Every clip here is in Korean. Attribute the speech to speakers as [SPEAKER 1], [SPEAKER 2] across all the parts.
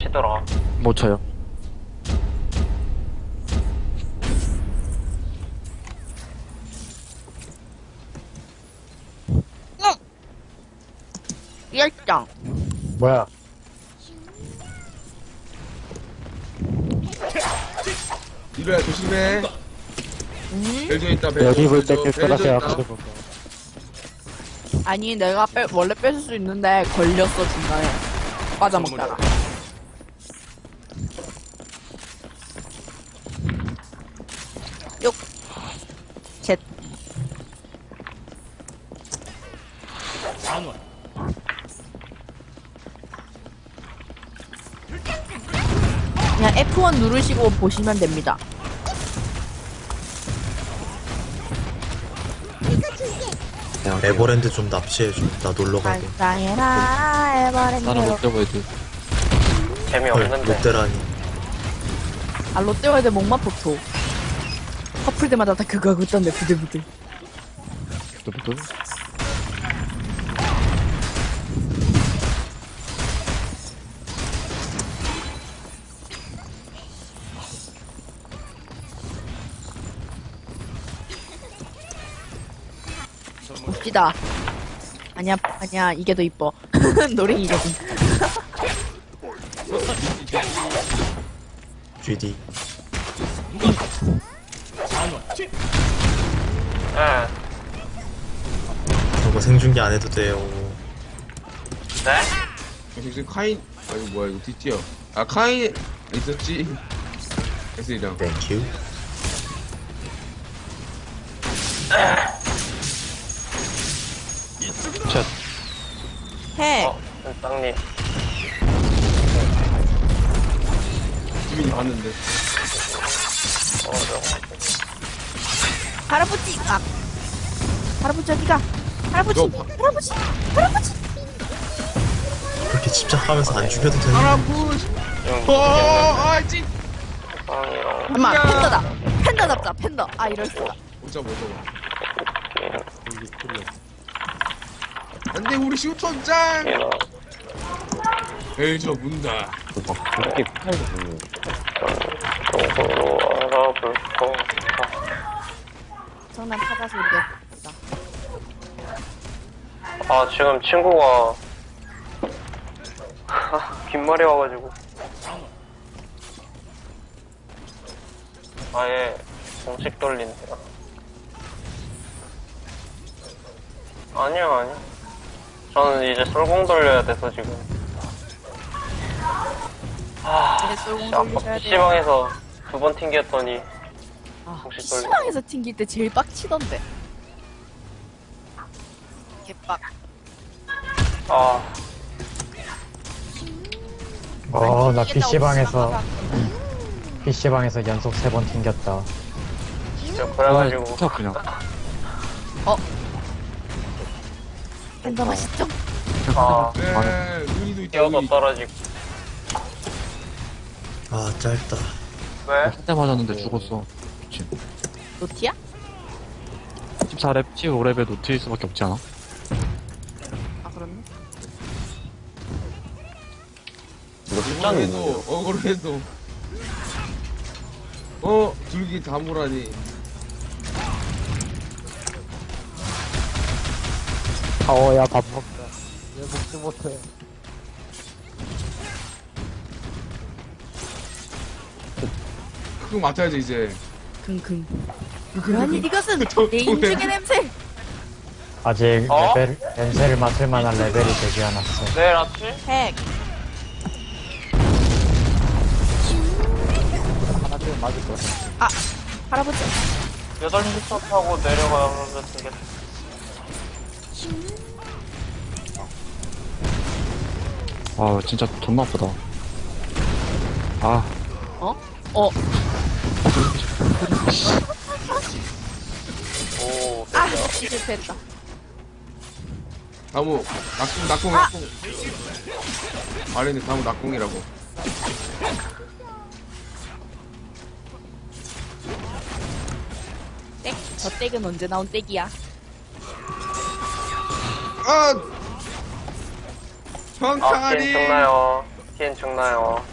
[SPEAKER 1] 치더라.
[SPEAKER 2] 못 쳐요.
[SPEAKER 3] 열정.
[SPEAKER 4] 뭐야?
[SPEAKER 5] 이거야 조심해. 벨저 있다.
[SPEAKER 4] 여기 볼 때
[SPEAKER 5] 벨저
[SPEAKER 4] 깰거라
[SPEAKER 5] 있다.
[SPEAKER 4] 생각하고.
[SPEAKER 3] 아니 내가 원래 뺏을 수 있는데 걸렸어 중간에 빠져먹다가. 육. 셋. 그냥 F1 누르시고 보시면 됩니다.
[SPEAKER 6] 에버랜드 좀 납치해줘. 나 놀러 가게.
[SPEAKER 3] 감사해라
[SPEAKER 2] 나는
[SPEAKER 3] 에버랜드.
[SPEAKER 2] 롯데월드.
[SPEAKER 6] 헐,
[SPEAKER 1] 재미없는데.
[SPEAKER 6] 롯데라니.
[SPEAKER 3] 아 롯데월드 목마포토. 커플 때마다 다 그거 하고 있던데 부들부들.
[SPEAKER 2] 부들부들.
[SPEAKER 3] 웃기다. 아니야 이게 더 이뻐. 노랭이거든.
[SPEAKER 6] GD.
[SPEAKER 1] 예.
[SPEAKER 6] 저거 생중계 안 해도 돼요.
[SPEAKER 1] 네?
[SPEAKER 5] 지금 카인. 아이고 뭐야 이거 뒷뒤야. 아 카인 있었지. S이랑.
[SPEAKER 6] 땡큐.
[SPEAKER 2] 샷.
[SPEAKER 3] 해.
[SPEAKER 1] 땅님.
[SPEAKER 5] 지민이 봤는데.
[SPEAKER 3] 할아버지. 아. 할아버지 어디가? 할아버지.
[SPEAKER 5] 너 봐.
[SPEAKER 3] 할아버지.
[SPEAKER 6] 그렇게 집착하면서 안 죽여도 되는.
[SPEAKER 5] 할아버지. 아이씨.
[SPEAKER 1] 땅이랑.
[SPEAKER 3] 엄마 팬더다. 팬더 잡자. 팬더. 아 이럴 수가.
[SPEAKER 5] 오자 뭐 저거. 안돼 우리 슈터짱. 벨저 문다.
[SPEAKER 1] 쪽으로 알아볼 거.
[SPEAKER 3] 정난 타자 소리가.
[SPEAKER 1] 아, 지금 친구가. 빈말이 와가지고. 아예 공식 돌린대요. 아니요. 저는 이제 쏠공 돌려야 돼서 지금.
[SPEAKER 3] 이제 쏠공
[SPEAKER 1] 아까
[SPEAKER 3] 돌리셔야 돼요.
[SPEAKER 1] PC방에서 2번 튕겼더니.
[SPEAKER 3] 아,
[SPEAKER 1] 혹시 떨려?
[SPEAKER 3] PC방에서 튕길 때 제일 빡치던데. 개빡.
[SPEAKER 1] 아,
[SPEAKER 4] 나 PC방에서 연속 3번 튕겼다.
[SPEAKER 1] 진짜 그래가지고.
[SPEAKER 2] 쳐 그냥.
[SPEAKER 3] 팬더 맛있죠?
[SPEAKER 1] 아,
[SPEAKER 5] 네 눈이도 있다.
[SPEAKER 1] 뛰어도
[SPEAKER 5] 눈이.
[SPEAKER 1] 떨어지고.
[SPEAKER 6] 아, 짧다.
[SPEAKER 1] 왜?
[SPEAKER 2] 한 대 맞았는데 죽었어. 미친.
[SPEAKER 3] 노티야?
[SPEAKER 2] 14렙, 15렙에 노트일수밖에 없지 않아?
[SPEAKER 3] 아 그렇네.
[SPEAKER 5] 억울해도 줄기 다무라니.
[SPEAKER 4] 타워야 밥 먹자. 왜 먹지 못해?
[SPEAKER 5] 그거 맡아야지 이제.
[SPEAKER 3] 킁킁. 아니 이것은 내 인중의 냄새.
[SPEAKER 4] 아직
[SPEAKER 1] 어?
[SPEAKER 4] 냄새를 맡을 만한 레벨이 되지 않았어.
[SPEAKER 1] 내일 아침?
[SPEAKER 3] 핵.
[SPEAKER 4] 하나 좀 맞을 거야.
[SPEAKER 3] 아 할아버지.
[SPEAKER 1] 8시 차 타고 내려가면 되겠다.
[SPEAKER 2] 아, 진짜 존나 아프다. 아,
[SPEAKER 3] 어?
[SPEAKER 1] 오,
[SPEAKER 3] 아 실패했다.
[SPEAKER 5] 다무 낙공. 아래는 다무 낙공이라고.
[SPEAKER 3] 땡. 저 땡은 언제 나온 땡이야?
[SPEAKER 5] 아!
[SPEAKER 1] 아, 게임
[SPEAKER 5] 평타리!
[SPEAKER 1] 끝나요. TN 죽나요?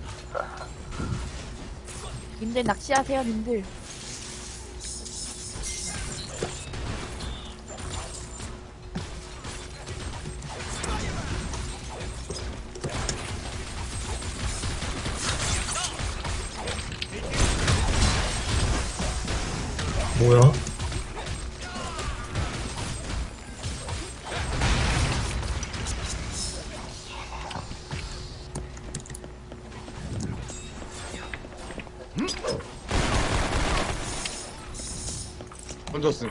[SPEAKER 3] 님들 낚시하세요, 님들.
[SPEAKER 6] 뭐야?
[SPEAKER 5] 던졌음.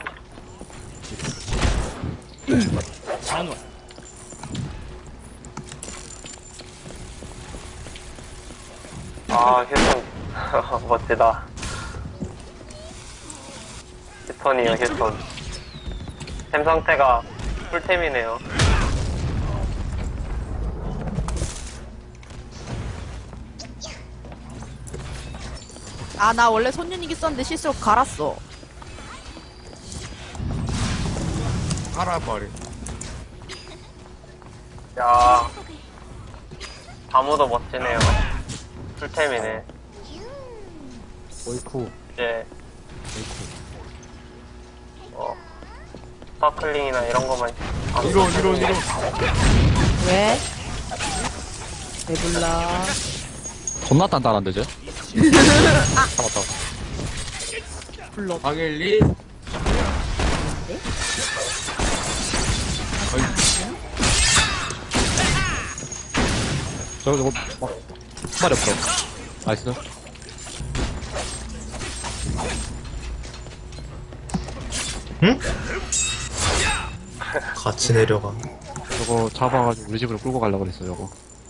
[SPEAKER 1] 아, 휴톤. 멋지다. 휴톤이요, 휴톤. 템 상태가 풀템이네요.
[SPEAKER 3] 아, 나 원래 손윤이기 썼는데 실수로 갈았어.
[SPEAKER 5] 알아버려.
[SPEAKER 1] 야, 다모도 멋지네요. 풀템이네.
[SPEAKER 4] 오이쿠.
[SPEAKER 1] 이제, 스파클링이나 이런 거만. 아,
[SPEAKER 5] 이런.
[SPEAKER 3] 왜? 배불러.
[SPEAKER 2] 존나 단단한데, 쟤? 잡았다.
[SPEAKER 3] 불러.
[SPEAKER 5] 방엘리.
[SPEAKER 2] 저거, 막, 한 마리 없어. 나이스.
[SPEAKER 6] 응? 같이 내려가.
[SPEAKER 2] 저거 잡아가지고 우리 집으로 끌고 가려고 그랬어, 저거.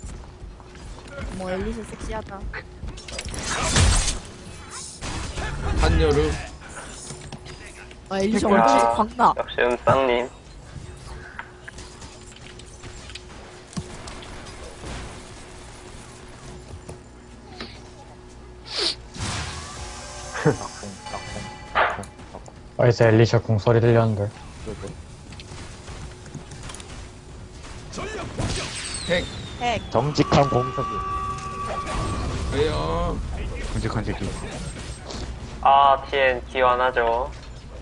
[SPEAKER 3] 뭐, 엘리스 섹시하다.
[SPEAKER 5] 한여름.
[SPEAKER 3] 아, 엘리스 얼굴이 광나.
[SPEAKER 1] 역시 음쌍님.
[SPEAKER 4] 어디서 엘리샤 궁 소리 들렸는데.
[SPEAKER 5] 핵.
[SPEAKER 3] 핵.
[SPEAKER 4] 정직한 공석이.
[SPEAKER 5] 왜요?
[SPEAKER 2] 끔찍한 새끼.
[SPEAKER 1] 아, TN 기원하죠.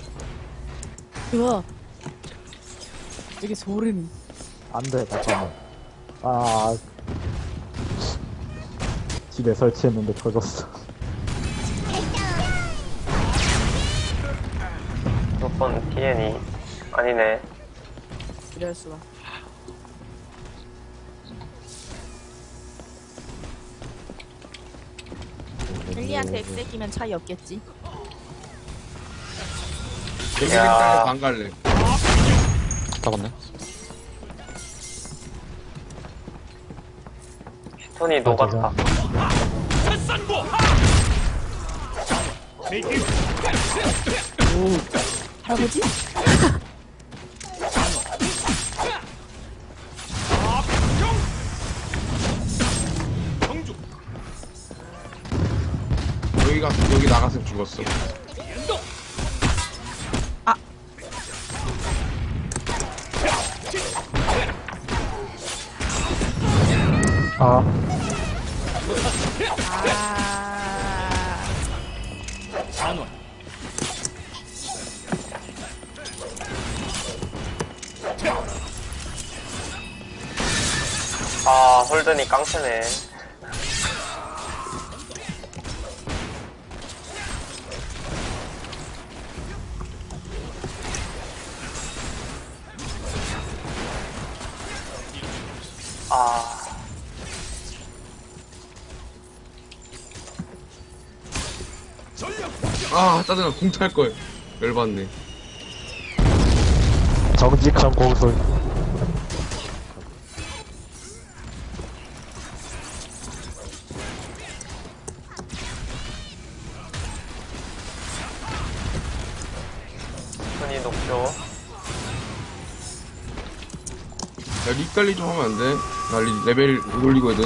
[SPEAKER 3] 으아. 되게 소름.
[SPEAKER 4] 안 돼, 잠깐만. 아. 집에 설치했는데 터졌어.
[SPEAKER 1] 무조건 TN이 아니네.
[SPEAKER 3] 이럴 수가. 헬리한테 엑스기면 차이 없겠지.
[SPEAKER 5] 여기
[SPEAKER 1] 야.
[SPEAKER 5] 일단 안 갈래.
[SPEAKER 2] 잡았네.
[SPEAKER 1] 휴톤이 녹았다.
[SPEAKER 3] 할아버지?
[SPEAKER 5] 여기 나갔으면 죽었어.
[SPEAKER 4] 아,
[SPEAKER 1] 아, 홀든이 깡패네. 아,
[SPEAKER 5] 아, 짜증나. 공 탈 걸. 열받네.
[SPEAKER 4] 정직한 공석.
[SPEAKER 1] 휴톤이 녹죠.
[SPEAKER 5] 야, 립 관리 좀 하면 안 돼? 나 레벨 올리거든.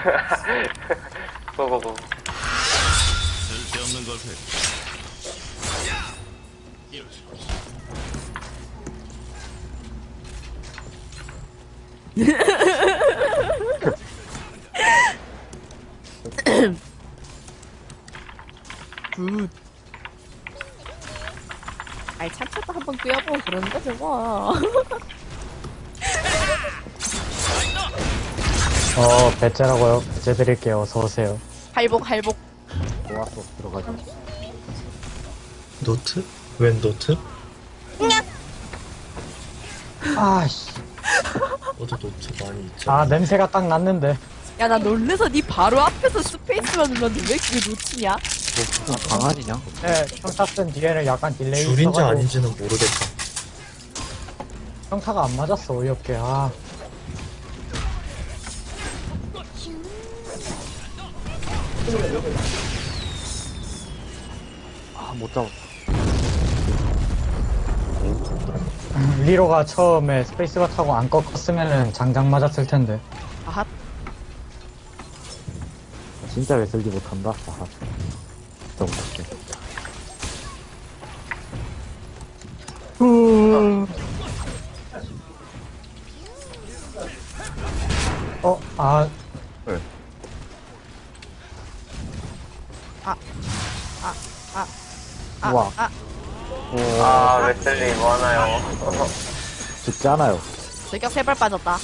[SPEAKER 1] 고고고.
[SPEAKER 7] 쓸데없는 걸 해.
[SPEAKER 3] 굿. 아이, 참쳤다 한번 끄여보고 그러는 거죠, 뭐.
[SPEAKER 4] 배째라고요. 배째 드릴게요. 어서오세요.
[SPEAKER 3] 할복, 할복.
[SPEAKER 4] 좋았어. 들어가자.
[SPEAKER 6] 노트? 웬 노트?
[SPEAKER 4] 아씨.
[SPEAKER 6] 너도 노트 많이 있죠.
[SPEAKER 4] 아, 냄새가 딱 났는데.
[SPEAKER 3] 야, 나 놀래서 니 바로 앞에서 스페이스만 눌렀는데 왜 그게 놓치냐?
[SPEAKER 2] 뭐, 무슨 강아지냐?
[SPEAKER 4] 네, 평타 쓴 뒤에는 약간 딜레이
[SPEAKER 6] 줄인지
[SPEAKER 4] 있어가지고
[SPEAKER 6] 아닌지는 모르겠다.
[SPEAKER 4] 평타가 안 맞았어, 어이없게. 아.
[SPEAKER 2] 아, 못 잡았다.
[SPEAKER 4] 리로가 처음에 스페이스바 타고 안 꺾었으면은 장장 맞았을 텐데.
[SPEAKER 3] 아핫.
[SPEAKER 4] 진짜 왜 쓸지 못한다? 아하. 진짜 못할게. 아, 우와.
[SPEAKER 1] 아, 웨슬리 뭐 하나요?
[SPEAKER 4] 죽지 않아요.
[SPEAKER 3] 저격 3발 빠졌다.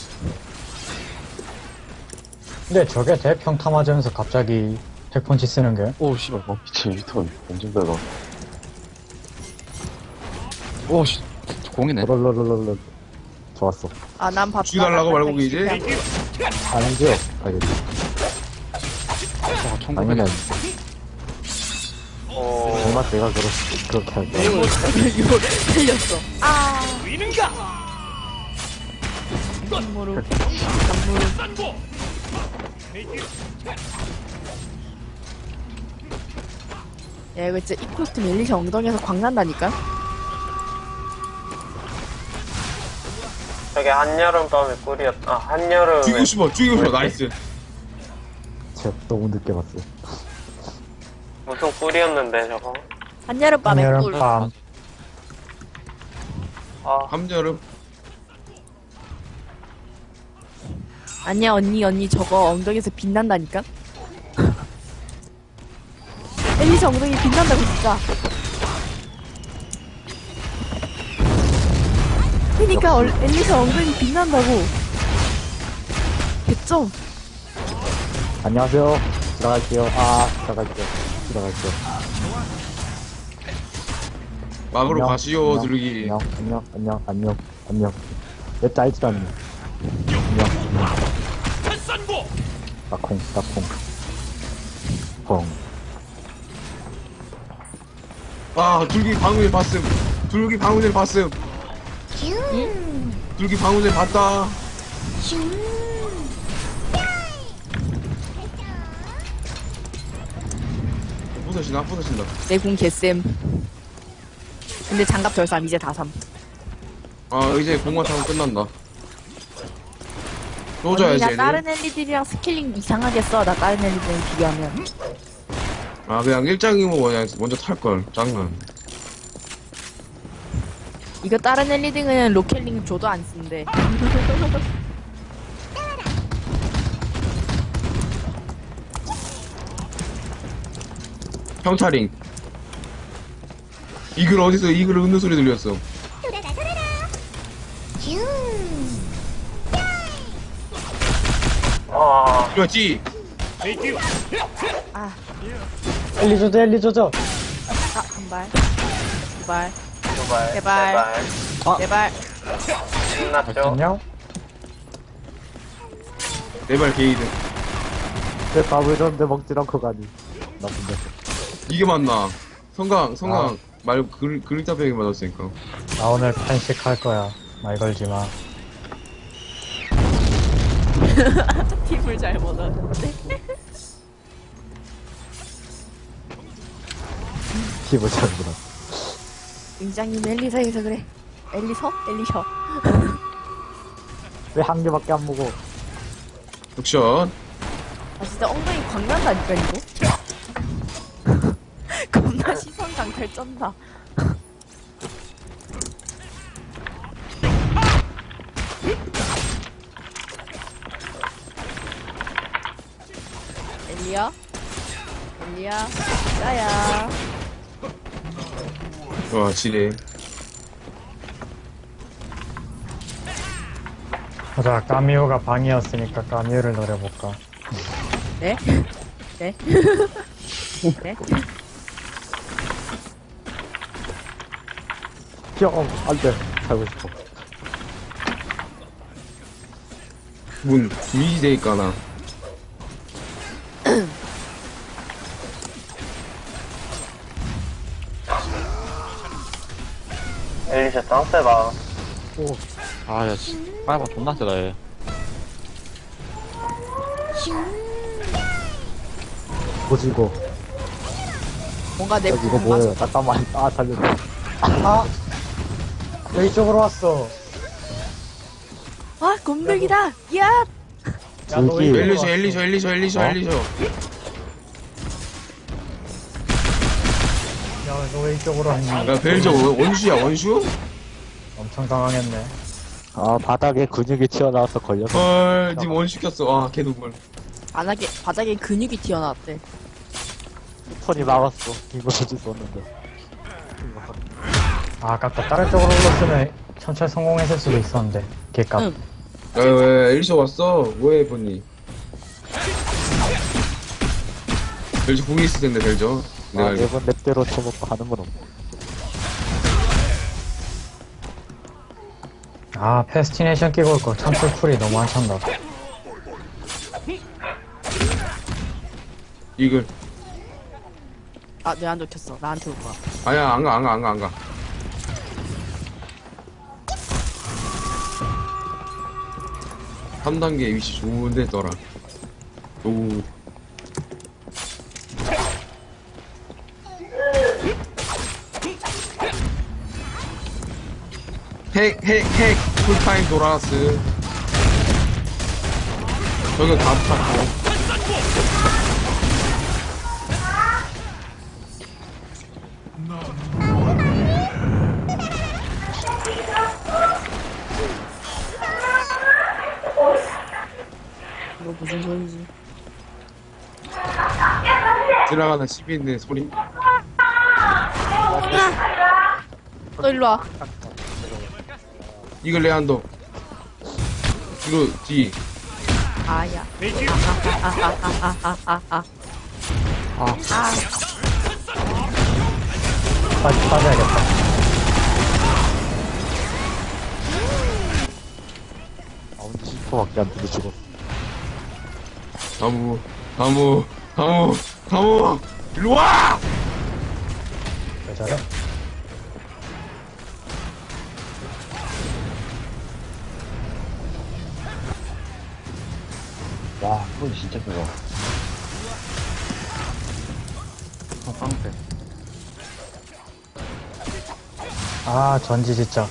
[SPEAKER 4] 근데 저게 대평타 맞으면서 갑자기 핵펀치 쓰는 게?
[SPEAKER 2] 오, 씨발.
[SPEAKER 8] 미친 유턴 엄청 달라.
[SPEAKER 2] 오, 씨. 공이네.
[SPEAKER 4] 롤롤롤롤. 좋았어.
[SPEAKER 3] 아, 난 봤다.
[SPEAKER 5] 죽여달라고 말고 이제?
[SPEAKER 4] 아니죠? 알겠지.
[SPEAKER 2] 저거 천국이네.
[SPEAKER 1] 오,
[SPEAKER 4] 정말 내가 그렇게 할 거야.
[SPEAKER 3] 이거 틀렸어. 아. 무릎. 무릎. 야, 이거 진짜 이 코스튬 엘리샤 엉덩이에서 광 난다니까?
[SPEAKER 1] 저게 한여름밤의 꿀이었다. 아, 한여름에.
[SPEAKER 5] 죽이고 싶어. 나이스.
[SPEAKER 4] 제가 너무 늦게 봤어.
[SPEAKER 1] 무슨 꿀이었는데, 저거?
[SPEAKER 3] 한여름밤의 꿀.
[SPEAKER 4] 여름밤.
[SPEAKER 1] 아,
[SPEAKER 5] 한여름.
[SPEAKER 3] 아니야, 언니, 저거 엉덩이에서 빛난다니까? 엘리샤 엉덩이 빛난다고, 진짜. 그니까, 엘리샤 엉덩이 빛난다고. 개점.
[SPEAKER 4] 안녕하세요. 들어갈게요. 들어갈게요.
[SPEAKER 5] 막으로
[SPEAKER 4] 안녕,
[SPEAKER 5] 가시오,
[SPEAKER 4] 안녕,
[SPEAKER 5] 두르기.
[SPEAKER 4] 안녕. 내 짜이지도 않네. 안녕. 따콩. 펑.
[SPEAKER 5] 아, 둘기 방울을 봤음. 둘기 방울을 봤다. 부서진다.
[SPEAKER 3] 내 궁 개쌤. 근데 장갑 덜삼, 이제 다삼.
[SPEAKER 5] 아, 이제 공만 타면 끝난다.
[SPEAKER 3] 언니,
[SPEAKER 5] 쏘줘야지,
[SPEAKER 3] 나
[SPEAKER 5] 얘네.
[SPEAKER 3] 다른 엘리들이랑 스킬링 이상하게 써. 나 다른 엘리들이랑 비교하면.
[SPEAKER 5] 아, 그냥 일장이면 그냥 먼저 탈걸. 장난.
[SPEAKER 3] 이거 다른 엘리딩은 로켓링 줘도 안 쓴대.
[SPEAKER 5] 평타링. 이글 어디서 이글 웃는 소리 들렸어.
[SPEAKER 1] 아,
[SPEAKER 5] 그렇지.
[SPEAKER 3] 아,
[SPEAKER 4] 엘리 조져.
[SPEAKER 3] 한 발. 두 발.
[SPEAKER 1] 제발.
[SPEAKER 3] 제발. 제발.
[SPEAKER 1] 신났죠?
[SPEAKER 4] 안녕.
[SPEAKER 5] 내발 게이드.
[SPEAKER 4] 내 밥을 줬는데 먹질 않고 가니. 나쁜 데.
[SPEAKER 5] 이게 맞나? 성강 말고 그림자 병이 맞았으니까.
[SPEAKER 4] 나 오늘 편식 할 거야. 말 걸지 마.
[SPEAKER 3] 팀을 잘못 얻었는데.
[SPEAKER 4] 피부 잘보다.
[SPEAKER 3] 임장님 엘리사에서 그래. 엘리셔?
[SPEAKER 4] 왜 한 개밖에 안 먹어?
[SPEAKER 5] 득션.
[SPEAKER 3] 아 진짜 엉덩이 광난다니까 이거. 겁나 시선 강탈 쩐다. 엘리야? 엘리야? 짜야.
[SPEAKER 5] 와, 지뢰.
[SPEAKER 4] 자, 까미오가 방이었으니까 까미오를 노려볼까.
[SPEAKER 3] 네? 네? 네?
[SPEAKER 2] 안 돼. 살고 싶어.
[SPEAKER 5] 문, 위지되니까, 나.
[SPEAKER 1] 엘리샤 짱 세다.
[SPEAKER 2] 아, 야, 씨. 빨간 존나 세다, 얘.
[SPEAKER 4] 뭐지, 이거?
[SPEAKER 3] 뭔가 내
[SPEAKER 2] 이거 뭐예요? 잠깐만. 아, 살려줘.
[SPEAKER 4] 아! 여기 쪽으로 왔어.
[SPEAKER 3] 아 곰돌기다. 야.
[SPEAKER 4] 야, 너
[SPEAKER 2] 저기.
[SPEAKER 4] 이쪽으로
[SPEAKER 5] 엘리셔,
[SPEAKER 4] 왔어.
[SPEAKER 5] 엘리셔, 엘리셔, 엘리셔,
[SPEAKER 2] 어?
[SPEAKER 5] 엘리셔.
[SPEAKER 4] 야, 너 왜 이쪽으로 왔니?
[SPEAKER 5] 야, 벨저 원슈야, 원슈?
[SPEAKER 4] 엄청 당황했네.
[SPEAKER 2] 아, 바닥에 근육이 튀어나와서 걸려서.
[SPEAKER 5] 헐, 님 원슈 켰어. 아, 개눈물.
[SPEAKER 3] 바닥에 근육이 튀어나왔대.
[SPEAKER 2] 턴이 나갔어. 이거 어쩔 수 없는데.
[SPEAKER 4] 아, 아깝다. 다른 쪽으로 올랐으면 천천히 성공했을 수도 있었는데. 개값.
[SPEAKER 3] 응.
[SPEAKER 5] 야, 왜 엘리셔 왔어? 뭐해, 본니? 벨저 공이 있을 텐데, 벨저. 내가
[SPEAKER 2] 아,
[SPEAKER 5] 알고.
[SPEAKER 2] 매번 랩대로 쳐먹고 하는 건 없고.
[SPEAKER 4] 아, 패스티네이션 끼고 올 거. 천풀 쿨이 너무 한참다.
[SPEAKER 5] 이글.
[SPEAKER 3] 아 내 안 좋겠어. 나한테 올 거야.
[SPEAKER 5] 아야, 안 가, 안 가, 안 가, 안 가. 삼단계 위치 좋은데, 떠라. 오. 핵, 풀타임 도라스. 저기 다 붙었고.
[SPEAKER 3] 이거 무슨 소리지?
[SPEAKER 5] 지나가는 시민의 소리.
[SPEAKER 3] 너 일로 와.
[SPEAKER 5] 이글 레안도. 뒤로, 뒤.
[SPEAKER 3] 아야.
[SPEAKER 4] 빠져야겠다.
[SPEAKER 2] 아, 근데 10%밖에 안 되는데 죽었어.
[SPEAKER 5] 다무. 일로 와!
[SPEAKER 4] 왜 저래?
[SPEAKER 8] 와, 그건 진짜 크다.
[SPEAKER 2] 깡패.
[SPEAKER 4] 아, 전지 진짜.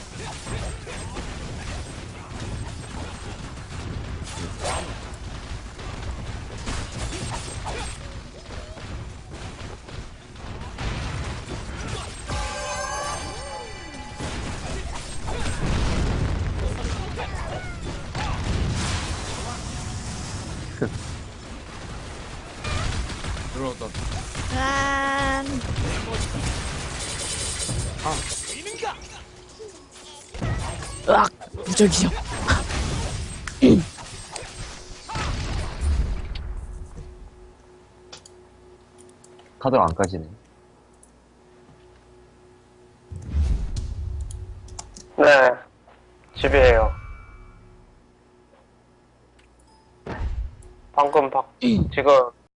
[SPEAKER 5] 들어왔다.
[SPEAKER 3] 짠. 으악 무적이죠.
[SPEAKER 8] 카드가 안 까지네.
[SPEAKER 1] 네. 집이에요. 방금 지금